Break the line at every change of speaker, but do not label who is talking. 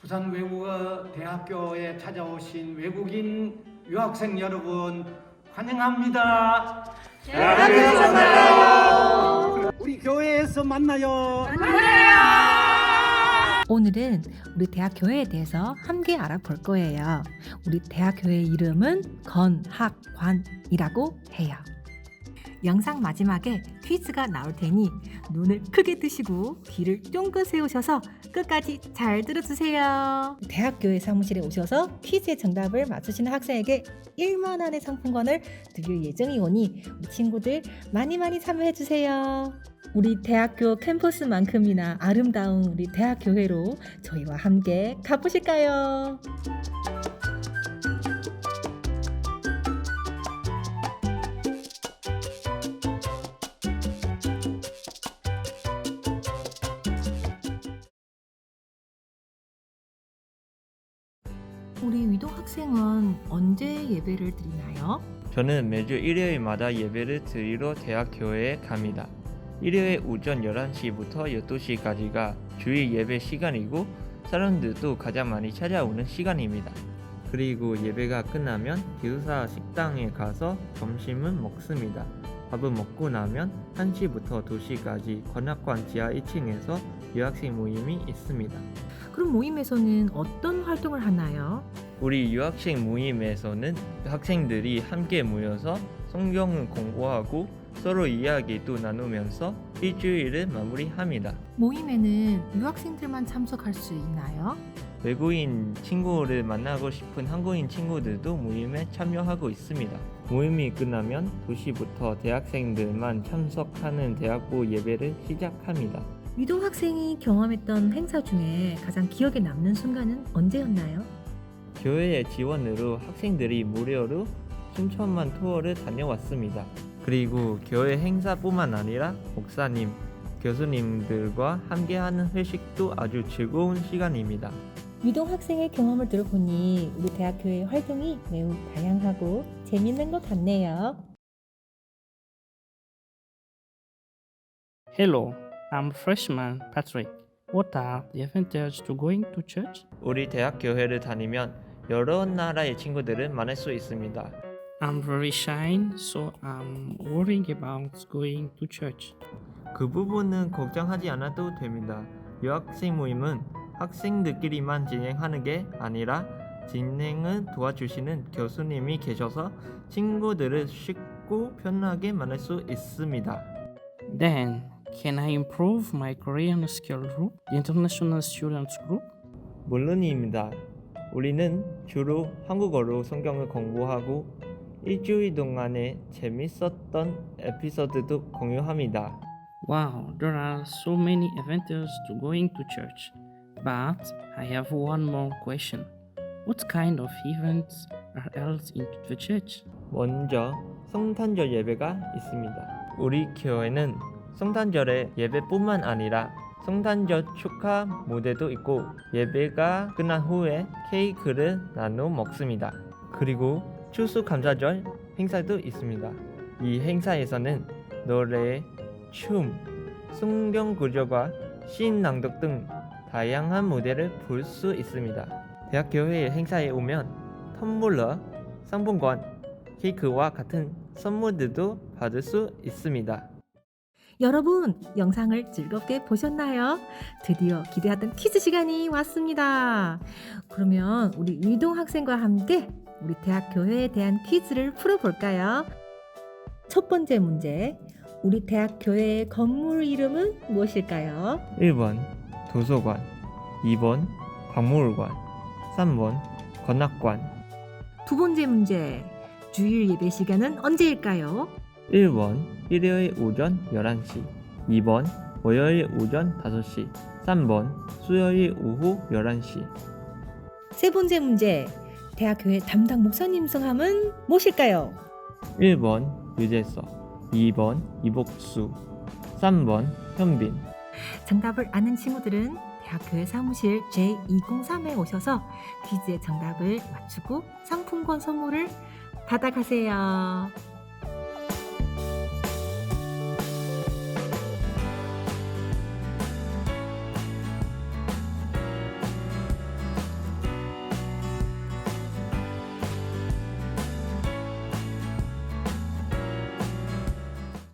부산 외국어 대학교에 찾아오신 외국인 유학생 여러분 환영합니다.
대학교에서 만나요.
우리 교회에서 만나요.
오늘은 우리 대학교회에 대해서 함께 알아볼 거예요. 우리 대학교회 이름은 건학관이라고 해요. 영상 마지막에 퀴즈가 나올 테니 눈을 크게 뜨시고 귀를 쫑긋 세우셔서 끝까지 잘 들어주세요. 대학교회 사무실에 오셔서 퀴즈의 정답을 맞추시는 학생에게 1만 원의 상품권을 드릴 예정이오니 우리 친구들 많이 참여해주세요. 우리 대학교 캠퍼스만큼이나 아름다운 우리 대학교회로 저희와 함께 가보실까요? 우리 위도 학생은 언제 예배를 드리나요?
저는 매주 일요일마다 예배를 드리러 대학교회에 갑니다. 일요일 오전 11시부터 12시까지가 주일 예배 시간이고 사람들도 가장 많이 찾아오는 시간입니다. 그리고 예배가 끝나면 기숙사 식당에 가서 점심을 먹습니다. 밥을 먹고 나면 1시부터 2시까지 건학관 지하 1층에서 유학생 모임이 있습니다.
그럼 모임에서는 어떤 활동을 하나요?
우리 유학생 모임에서는 학생들이 함께 모여서 성경을 공부하고 서로 이야기도 나누면서 일주일을 마무리합니다.
모임에는 유학생들만 참석할 수 있나요?
외국인 친구를 만나고 싶은 한국인 친구들도 모임에 참여하고 있습니다. 모임이 끝나면 2시부터 대학생들만 참석하는 대학부 예배를 시작합니다.
위도 학생이 경험했던 행사 중에 가장 기억에 남는 순간은 언제였나요?
교회의 지원으로 학생들이 무료로 춘천만 투어를 다녀왔습니다. 그리고 교회 행사뿐만 아니라 목사님, 교수님들과 함께하는 회식도 아주 즐거운 시간입니다.
위도 학생의 경험을 들어보니 우리 대학교의 활동이 매우 다양하고 재밌는 것 같네요.
Hello, I'm freshman Patrick. What are the advantages to going to church?
우리 대학 교회를 다니면 여러 나라의 친구들을 만날 수 있습니다.
I'm very shy, so I'm worrying about going to church.
그 부분은 걱정하지 않아도 됩니다. 유학생 모임은 학생들끼리만 진행하는 게 아니라 진행을 도와주시는 교수님이 계셔서 친구들을 쉽고 편하게 만날 수 있습니다.
Then, can I improve my Korean skill group, the international students group?
물론입니다. 우리는 주로 한국어로 성경을 공부하고 일주일 동안에 재밌었던 에피소드도 공유합니다.
Wow, there are so many advantages to going to church. But I have one more question. What kind of events are held in the church?
먼저 성탄절 예배가 있습니다. 우리 교회는 성탄절에 예배뿐만 아니라 성탄절 축하 무대도 있고 예배가 끝난 후에 케이크를 나눠 먹습니다. 그리고 추수감사절 행사도 있습니다. 이 행사에서는 노래, 춤, 성경 구절과 시인 낭독 등 다양한 무대를 볼 수 있습니다. 대학교회 행사에 오면 텀블러, 상품권, 케이크와 같은 선물들도 받을 수 있습니다.
여러분, 영상을 즐겁게 보셨나요? 드디어 기대하던 퀴즈 시간이 왔습니다. 그러면 우리 위도 학생과 함께 우리 대학 교회에 대한 퀴즈를 풀어볼까요? 첫 번째 문제, 우리 대학 교회의 건물 이름은 무엇일까요?
1번 도서관, 2번 박물관, 3번 건학관.
두 번째 문제, 주일 예배 시간은 언제일까요?
1번 일요일 오전 11시, 2번 월요일 오전 5시, 3번 수요일 오후 11시.
세 번째 문제, 대학교회 담당 목사님 성함은 무엇일까요?
1번 유재석, 2번 이복수, 3번 현빈.
정답을 아는 친구들은 대학교회 사무실 J203에 오셔서 퀴즈의 정답을 맞추고 상품권 선물을 받아가세요.